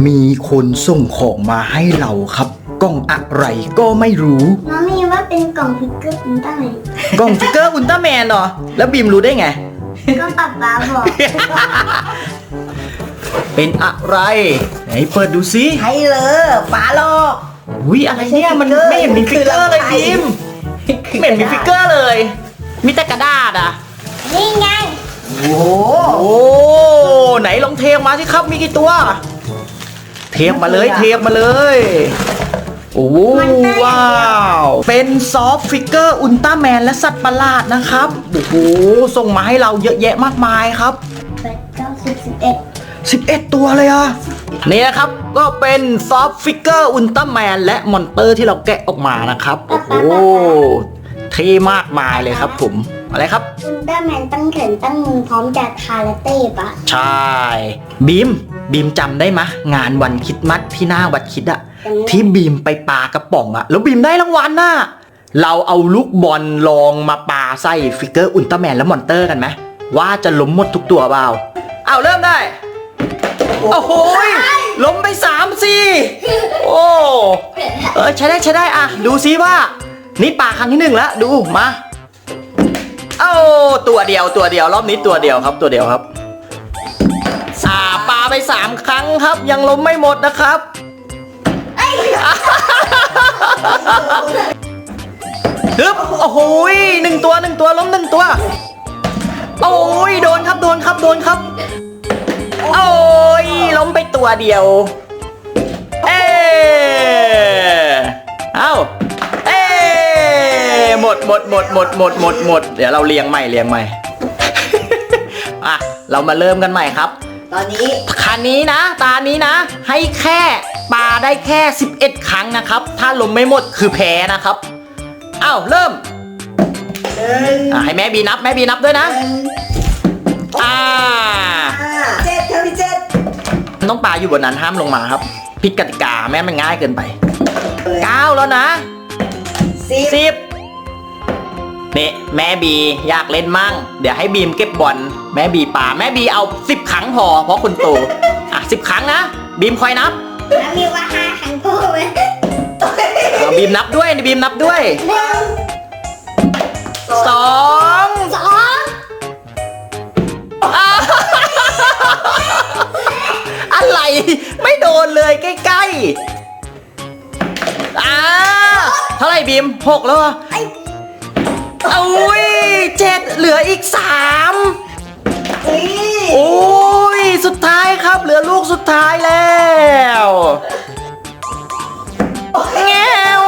มีคนส่งของมาให้เราครับกล่องอะไรก็ไม่รู้น้องมีว่าเป็นกล่องพิกเกอร์อุลตร้าแมนกล่องฟิกเกอร์อุลตร้าแมนเหรอแล้วบีมรู้ได้ไงก็ป๊าป๊าบอกเป็นอะไรไหนเปิดดูซิใช่เลยฝาโลกอุ้ยอะไรเนี่ยมันไม่เห็นมีฟิกเกอร์เลยบีมไม่เห็นมีฟิกเกอร์เลย มีแต่กระดาษอ่ะนี่ไงโอ้โอ้ไหนลองเทออกมาสิครับมีกี่ตัว เทออกมาเลยเทออกมาเลยโอ้ว้าวเป็นซอฟต์ฟิกเกอร์อุลตร้าแมนและสัตว์ประหลาดนะครับโอ้โหส่งมาให้เราเยอะแยะมากมายครับ 11 ตัวเลยอ่ะนี่นะครับก็เป็นซอฟต์ฟิกเกอร์อุลตร้าแมนและมอนเตอร์ที่เราแกะออกมานะครับโอ้โหเท่มากมายเลยครับผมอะไรครับอุลตร้าแมนตั้งแขนตั้งมือพร้อมจะคาราเต้ปะใช่บีมจำได้ไหมงานวันคริสต์มาสที่หน้าวัดคริดอะที่บีมไปปากระป๋องอะแล้วบีมได้รางวัลน่ะเราเอาลูกบอลลองมาปาใส่ฟิกเกอร์อุลตร้าแมนและมอนเตอร์กันไหมว่าจะล้มหมดทุกตัวเปล่าเอาเริ่มได้โอ้โหล้มไป3 สิโอ้ใช้ได้อะดูซิว่านี่ปาครั้งที่1แล้วดูมาเอ้าตัวเดียวรอบนี้ตัวเดียวครับปาไป3 ครั้งครับยังล้มไม่หมดนะครับฮึบโอ้โห1 ตัวล้ม1 ตัวโอ้ยโดนครับโอ้ยล้มไปตัวเดียวเอ้าหมดเดี๋ยวเราเรียงใหม่ อ่ะเรามาเริ่มกันใหม่ครับตอนนี้คันนี้นะตานี้นะให้แค่ปาได้แค่11 ครั้งนะครับถ้าลมไม่หมดคือแพ้นะครับอ้าวเริ่มให้แม่บีนับด้วยนะ 7ครับพี่7 ต้องปาอยู่บนนั้นห้ามลงมาครับผิดกติกาแม่มันง่ายเกินไป9แล้วนะ10นี่แม่บีอยากเล่นมั่งเดี๋ยวให้บีมเก็บบอลแม่บีป่าแม่บีเอา10 ครั้งพอเพราะคุณโต10 ครั้งนะบีมคอยนับแล้วมีว่า5 ครั้งก็ไหมบีมนับด้วย1 2อะไรไม่โดนเลยใกล้ๆเท่าไหร่บีม6แล้วอุ้ย7เหลืออีก3โอ้ยสุดท้ายครับเหลือลูกสุดท้ายแล้วแงว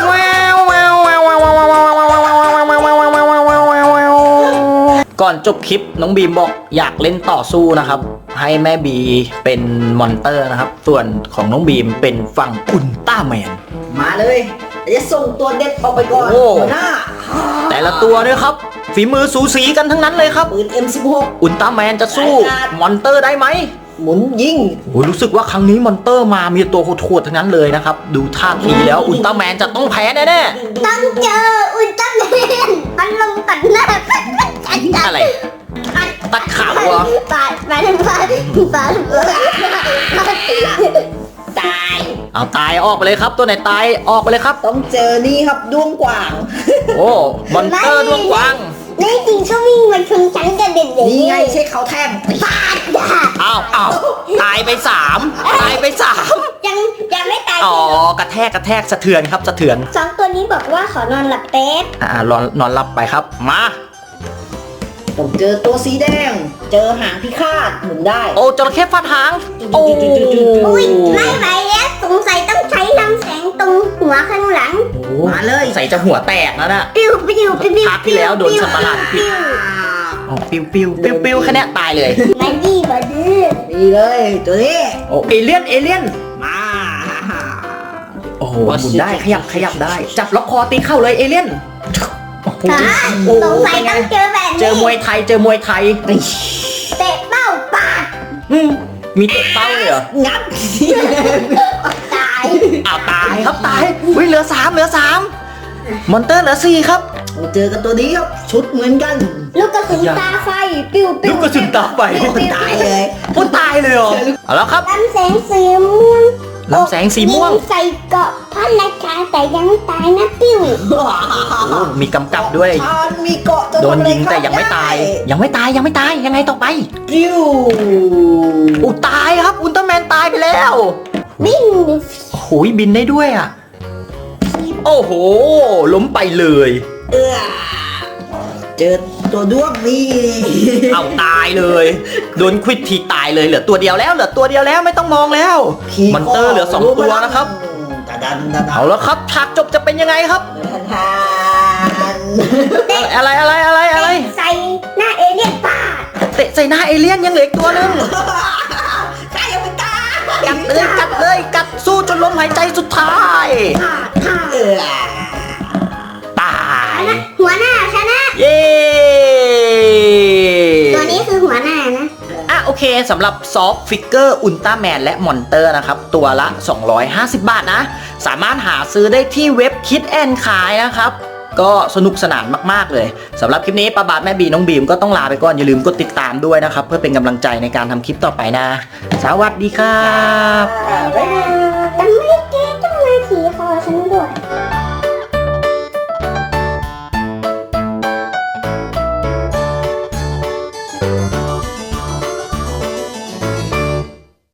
ก่อนจบคลิปน้องบีมบอกอยากเล่นต่อสู้นะครับให้แม่บีเป็นมอนเตอร์นะครับส่วนของน้องบีมเป็นฝั่งอุลตร้าแมนมาเลยจะส่งตัวเด็ดออกไปก่อนหัวหน้าแต่ละตัวเนี่ยครับฝีมือสูสีกันทั้งนั้นเลยครับปืน M16 อุลตร้าแมนจะสู้มอนเตอร์ได้ไหมหมุนยิงโอ้รู้สึกว่าครั้งนี้มอนเตอร์มามีตัวโหดๆทั้งนั้นเลยนะครับดูท่าทีแล้วอุลตร้าแมนจะต้องแพ้แน่ๆต้องเจออุลตร้าแมนมันลงตัดหน้าอะไรตัดขาวัวปาดตายเอาตายออกไปเลยครับตัวไหนตายออกไปเลยครับต้องเจอนี่ครับด้วงกวางโอ้มอนเตอร์ด้วงกวางนี่จริงเขาวิ่งมาชนฉันกระเด็นเลยนี่ไงใช่เขาแทงปาดอ้าวตายไป3 ยังไม่ตายกระแทกสะเทือนครับสะเทือน 2 ตัวนี้บอกว่าขอนอนหลับแป๊บนอนหลับไปครับมาผมเจอตัวสีแดงเจอหางพิฆาตหมุนได้โอ้จระเข้ฟาดหางโอ้ยไม่ไหวแล้วสงสัยต้องใช้ลำแสงตรงหัวข้างหลังมาเลยใส่จะหัวแตกแล้วนะปิ้วภาคที่แล้วโดนสัตว์ประหลาดปิ้วแค่นี้ตายเลยมาดีดีเลยตัวนี้โอ้เอเลี่ยนมาโอ้โหหมุนได้ขยับได้จับล็อกคอตีเข้าเลยเอเลี่ยนสงสัยต้องเจอแบบนี้เจอมวยไทยเตะเป้าปาดมีเตะเป้าเลยเหรองับตายครับตายเหลือ3มอนเตอร์เหลือ4ครับเจอกันตัวนี้ครับชุดเหมือนกันลูกกระสุนตาไฟปิ้วลูกกระสุนตาไฟตายเลยตายเลยเหรอเอาแล้วครับลำแสงสีม่วลำแสงสีม่วงยิใส่เกราะพระราชาแต่ยังไม่ตายนะปิ้วโอ้มีกำกับด้วยฉันมีเกาะจะโดนทำอะไรยิงแต่ยังไม่ตาย ยังไม่ตายยังไม่ตายยังไงต่อไปปิ้วอุยตายครับอุลตร้าแมนตายไปแล้ววิ่งโอ้ยบินได้ด้วยอ่ะ โอ้โห ล้มไปเลยเออเจอตัวด้วงนี่เอาตายเลย โดนควิดทีตายเลยเหลือตัวเดียวแล้วเหลือตัวเดียวแล้วไม่ต้องมองแล้ว มอนเตอร์เหลือ 2 ตัวนะครับตาดันตาดันเอาแล้วครับฉากจบจะเป็นยังไงครับทานอะไรใส่หน้าเอเลี่ยนป้าดเตะใส่หน้าเอเลี่ยนยังเหลืออีกตัวหนึงใช่ยังไม่ตายกัดสู้จนลมหายใจสุดท้ายขาดเออตายหัวหน้าชนะเย้ตัวนี้คือหัวหน้านะอ่ะโอเคสำหรับซอฟต์ฟิกเกอร์อุลตร้าแมนและมอนเตอร์นะครับ ตัวละ 250 บาทนะ สามารถหาซื้อได้ที่เว็บคิดแอนขายนะครับ ก็สนุกสนานมากๆเลยสำหรับคลิปนี้ป้าบาทแม่บีน้องบีมก็ต้องลาไปก่อนอย่าลืมกดติดตามด้วยนะครับ เพื่อเป็นกำลังใจในการทำคลิปต่อไปนะ สวัสดีครับบ๊ายบาย